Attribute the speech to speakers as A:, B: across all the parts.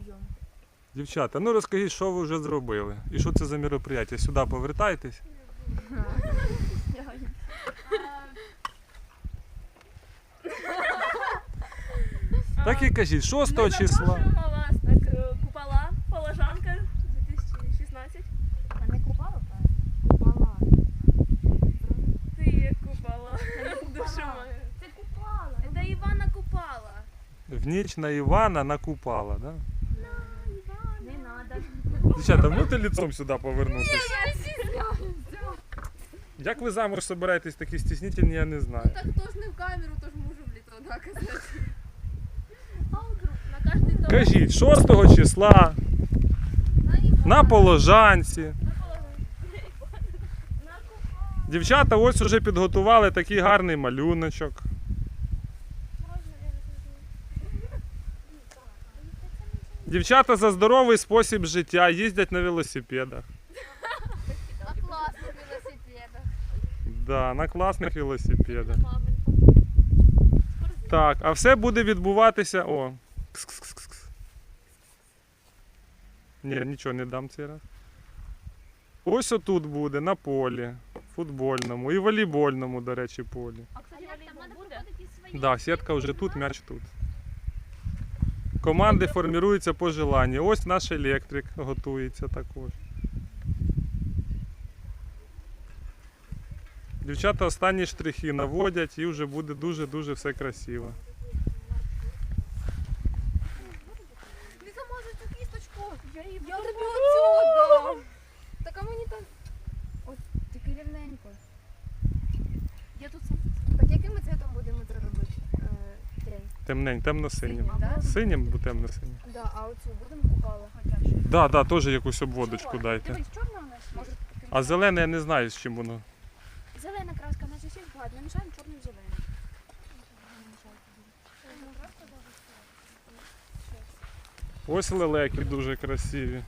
A: Дівчата, ну розкажіть, що ви вже зробили? І що це за мероприятие? Сюди повертайтесь. Так і кажіть, 6 числа.
B: Запрошуємо вас так, купола, Положанка 2016.
C: А не купала, так? Купала.
B: Ти як купала. Душу мою.
C: Це купала.
B: Це Івана Купала.
A: В ніч на Івана накупала, да?
C: Не надо.
A: Дівчата, можете лицом сюди повернутися?
C: Я стісняюся.
A: Як ви замуж собираєтесь такі стіснительні, я не знаю.
B: Так хто ж не в камеру, то ж можу в літо наказати. А вдруг? На кожний дом.
A: Кажіть, 6 числа на Положанці. Дівчата ось уже підготували такий гарний малюночок. Дівчата за здоровий спосіб життя, їздять на велосипедах.
C: На класних велосипедах.
A: Да, на класних велосипедах. Так, а все буде відбуватися. О. Кс-кс-кс-кс. Ні, нічого не дам цей раз. Ось отут буде, на полі. Футбольному і волейбольному, до речі, полі.
C: А кстати, як там треба проходити свої.
A: Да, сітка вже тут, м'яч тут. Команди формуються по желанню. Ось наш електрик готується також. Дівчата останні штрихи наводять і вже буде дуже-дуже все красиво.
C: Не замазуй цю кісточку. Я тобі оцю дам. Так а мені там... Ось, тільки рівненько. Я тут сам. Так яким ми цвітом будемо це робити? Трень.
A: Темнень, темно-синім.
C: Да?
A: Синім, бо темно-синім.
C: Да, а оцю будемо купала хоча б.
A: Да, да, теж якусь обводочку дайте.
C: Дивись, чорна у нас? Може,
A: А зелене я не знаю, з чим воно.
C: зелена краска, у нас усіх багато. Намішаємо чорну і зелену.
A: Ось лелеки дуже красиві.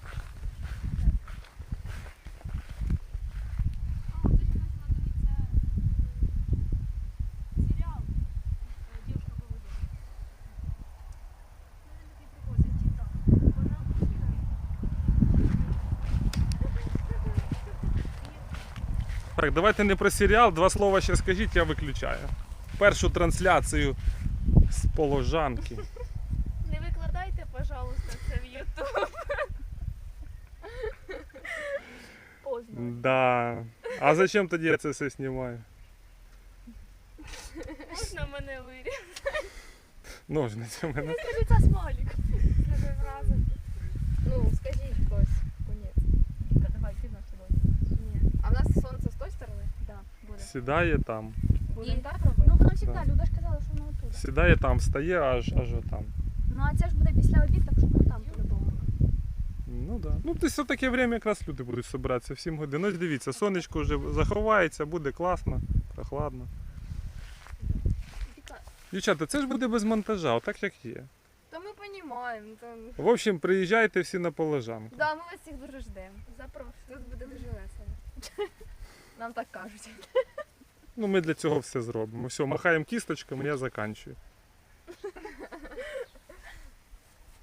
A: Так, давайте не про серіал, 2 слова ще скажіть, я виключаю. Першу трансляцію з Положанки.
B: Не викладайте, пожалуйста, це в YouTube. Поздно.
A: Да. А зачем тоді я це все знімаю?
B: Можна мене вирізати?
A: Ножниці в мене.
B: Скажи, це смайлик.
C: Ну, скажіть хтось. Конець.
B: Давай, ти на собою.
C: Ні. А в нас сонце з тої сторони?
B: Да, буде.
A: Сідає там.
C: Будемо так робити?
B: Ну, воно завжди,
A: Да.
B: Люда ж казала, що воно оттуда.
A: Сідає там, стає аж отам.
B: Ну, а це ж буде після обід, так що воно там по-любому.
A: Ну да. Ну десь в таке время якраз люди будуть збиратися в 7 годин. Ось дивіться, сонечко вже заховається, буде класно, прохладно. Дівчата, це ж буде без монтажа, отак як є.
C: Та ми розуміємо.
A: В общем, приїжджайте всі на Положанку.
C: Да, ми вас всіх дуже ждемо.
B: Запрошую.
C: Тут буде дуже весело. Нам так кажуть.
A: Ну ми для цього все зробимо. Все, махаємо кісточками, я заканчую.